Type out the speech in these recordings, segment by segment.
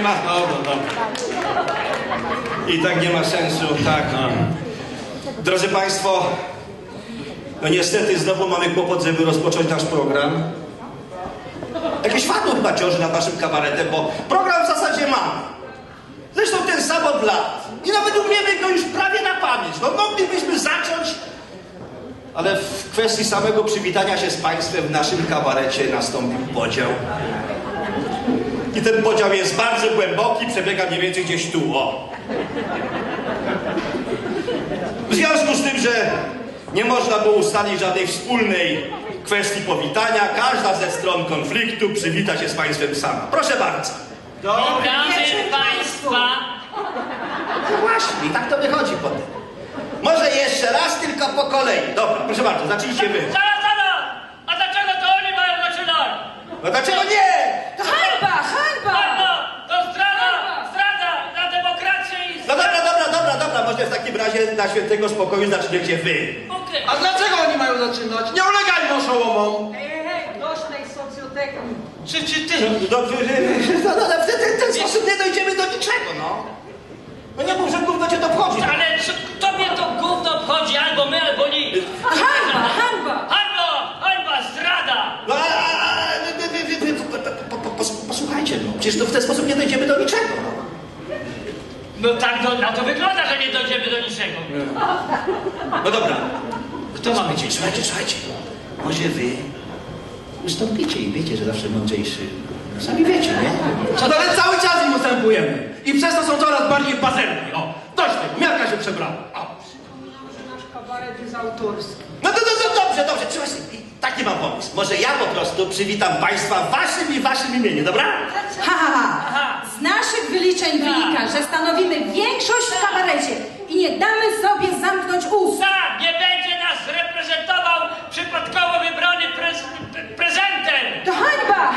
ma... Dobra. I tak nie ma sensu, tak. Drodzy Państwo, no niestety znowu mamy kłopot, żeby rozpocząć nasz program. Jakieś fatło chyba ciąży nad naszym kabaretem, bo program w zasadzie mamy. Zresztą ten sam od lat. I nawet umiemy go już prawie na pamięć. No moglibyśmy zacząć, ale w kwestii samego przywitania się z Państwem w naszym kabarecie nastąpił podział. I ten podział jest bardzo głęboki, przebiega mniej więcej gdzieś tu, o. W związku z tym, że nie można było ustalić żadnej wspólnej kwestii powitania, każda ze stron konfliktu przywita się z Państwem sama. Proszę bardzo. Witamy Państwa. No właśnie, tak to wychodzi potem. Może jeszcze raz, tylko po kolei. Dobra, proszę bardzo, zacznijcie wy. Zaraz! A dlaczego to oni mają zaczynać? No dlaczego nie? To hańba! To zdrada na demokrację i... No dobra, może w takim razie dla świętego spokoju zaczniecie wy. Okej. A dlaczego oni mają zaczynać? Nie ulegajmy oszołomom! Hej, dość tej socjotechniki. Czy ty? No, w ten sposób nie dojdziemy do niczego, no. No nie mów, że gówno cię to obchodzi. Ale czy tobie to gówno obchodzi albo my, albo nikt? Hańba, zdrada! No, posłuchajcie, no. Przecież to w ten sposób nie dojdziemy do niczego, no. No tak na to wygląda, że nie dojdziemy do niczego. No dobra. Kto ma być? Słuchajcie. Może wy ustąpicie i wiecie, że zawsze mądrzejszy. Sami wiecie, nie? Co to ale cały czas im ustępujemy. I przez to są coraz bardziej pazerni. O, dość tego, miarka się przebrała. Że nasz kabaret jest autorski. No dobrze, taki mam pomysł. Może ja po prostu przywitam Państwa w waszym imieniu, dobra? Z naszych wyliczeń wynika, że stanowimy większość w kabarecie i nie damy sobie zamknąć ust. Tak, nie będzie nas reprezentował przypadkowo wybrany prezenter. To hańba!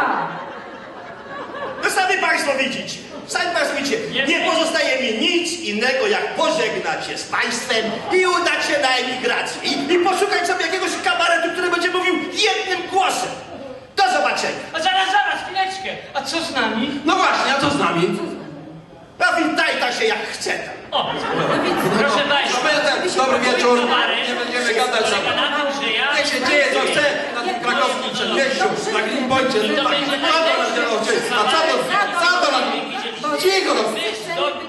No sami Państwo widzicie. Nie pozostaje mi nic innego, jak pożegnać się z Państwem i udać się na emigrację. I poszukać sobie jakiegoś kabaretu, który będzie mówił jednym głosem. Do zobaczenia. A zaraz, chwileczkę. A co z nami? No właśnie, a co z nami? No witajta się jak chce. O, proszę Państwa. Dobry wieczór. Towarzysz Nie będziemy gadać. polega na tym, że ja... Niech się dzieje co chce na tym krakowskim przedmieściu, na Greenpoincie. A co to? Cicho!